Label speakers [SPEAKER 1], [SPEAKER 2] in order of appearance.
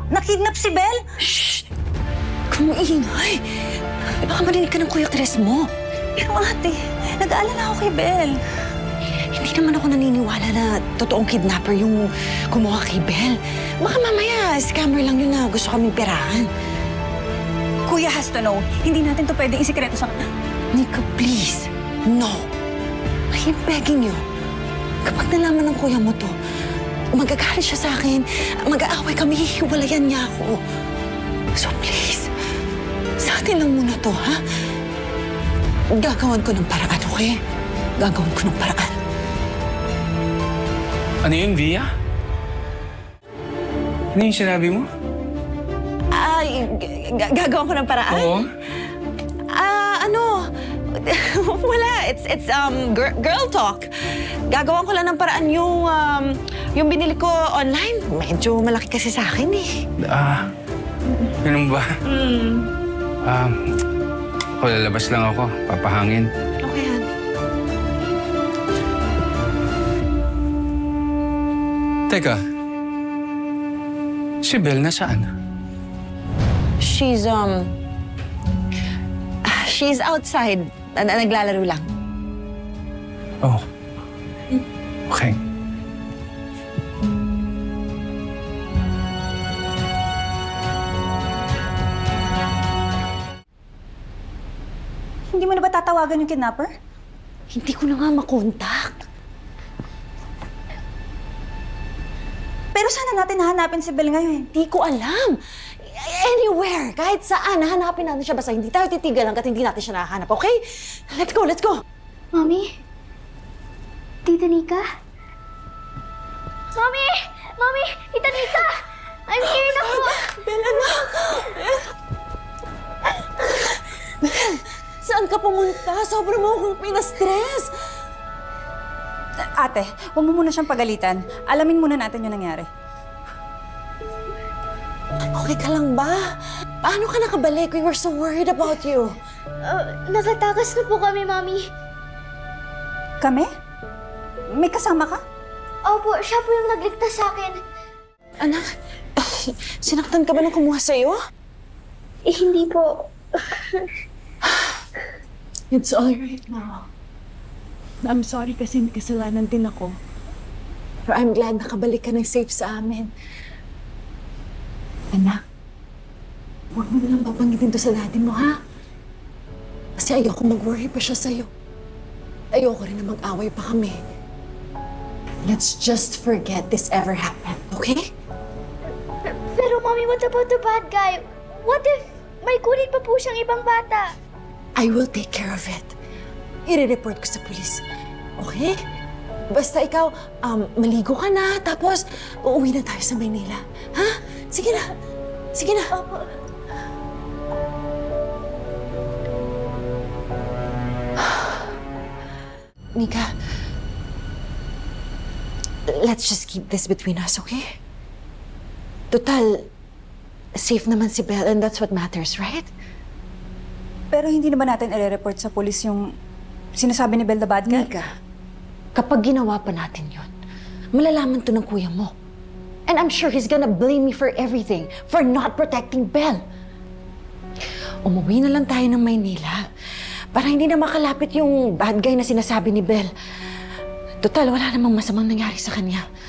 [SPEAKER 1] Nakidnap si Belle?
[SPEAKER 2] Shh! Kumaingay! Baka marinig ka ng Kuya Chris mo.
[SPEAKER 1] Pero ate, nag-aalala ako kay Belle.
[SPEAKER 2] Hindi naman ako naniniwala na totoong kidnapper yung kumuha kay Belle. Baka mamaya, scammer lang yun na gusto kaming perahan.
[SPEAKER 1] Kuya has to know. Hindi natin to pwedeng isikreto sa kanya.
[SPEAKER 2] Nika, please. No. I'm begging you. Kapag nalaman ng kuya mo to, magagalit siya sa akin. Mag-aaway kami, hihiwalayan niya ako. So please, sa atin lang muna to, ha? Gagawan ko ng paraan, okay? Gagawin ko ng paraan.
[SPEAKER 3] Ano yun, Via? Ano yung sinabi mo?
[SPEAKER 2] Ay, gagawin ko ng paraan?
[SPEAKER 3] Oo.
[SPEAKER 2] Wala. It's girl talk. Gagawan ko lang ng paraan yung binili ko online. Medyo malaki kasi sa akin eh.
[SPEAKER 3] Ganun ba? Ako, lalabas lang ako. Papahangin.
[SPEAKER 2] Okay, Han.
[SPEAKER 3] Teka. Si Belle nasaan?
[SPEAKER 2] She's outside. Naglalaro lang.
[SPEAKER 3] Oh. Okay.
[SPEAKER 1] Hindi mo na ba tatawagan yung kidnapper?
[SPEAKER 2] Hindi ko na nga makontak.
[SPEAKER 1] Pero sana natin hahanapin si Belle ngayon.
[SPEAKER 2] Hindi ko alam. Anywhere, kahit saan, hanapin natin siya. Basta hindi tayo titigal hanggat hindi natin siya nahanap, okay? Let's go, let's go!
[SPEAKER 4] Mommy? Tita Nika? Mommy! Mommy! Tita Nika! I'm here na po!
[SPEAKER 2] Bella, anak! Saan ka pumunta? Sobrang mo akong pinastress.
[SPEAKER 1] Ate, huwag mo muna siyang pagalitan. Alamin muna natin yung nangyari.
[SPEAKER 2] Okay ka lang ba? Paano ka nakabalik? We were so worried about you.
[SPEAKER 4] Nakatakas na po kami, Mommy.
[SPEAKER 1] Kami? May kasama ka?
[SPEAKER 4] Opo, siya po yung nagligtas sa akin.
[SPEAKER 2] Anak, sinaktan ka ba nung kumuha sa'yo?
[SPEAKER 4] Hindi po.
[SPEAKER 5] It's all right now. I'm sorry kasi may kasalanan din ako.
[SPEAKER 2] Pero I'm glad nakabalik ka ng safe sa amin. Anak, huwag mo nalang babanggitin to sa daddy mo, ha? Kasi ayoko mag-worry pa siya sa'yo. Ayoko rin na mag-away pa kami. Let's just forget this ever happened, okay?
[SPEAKER 4] Pero, Mommy, what about the bad guy? What if may kunin pa po siyang ibang bata?
[SPEAKER 2] I will take care of it. I-report ko sa police, okay? Basta ikaw, maligo ka na, tapos uuwi na tayo sa Maynila. Ha? Sige na. Sige na.
[SPEAKER 4] Opo.
[SPEAKER 2] Nika, let's just keep this between us, okay? Total, safe naman si Belle and that's what matters, right?
[SPEAKER 1] Pero hindi na ba natin i-report sa polis yung sinasabi ni Belle the bad guy?
[SPEAKER 2] Nika, kapag ginawa pa natin yun, malalaman to ng kuya mo. And I'm sure he's gonna blame me for everything, for not protecting Belle. Umuwi na lang tayo ng Maynila para hindi na makalapit yung bad guy na sinasabi ni Belle. Total, wala namang masamang nangyari sa kanya.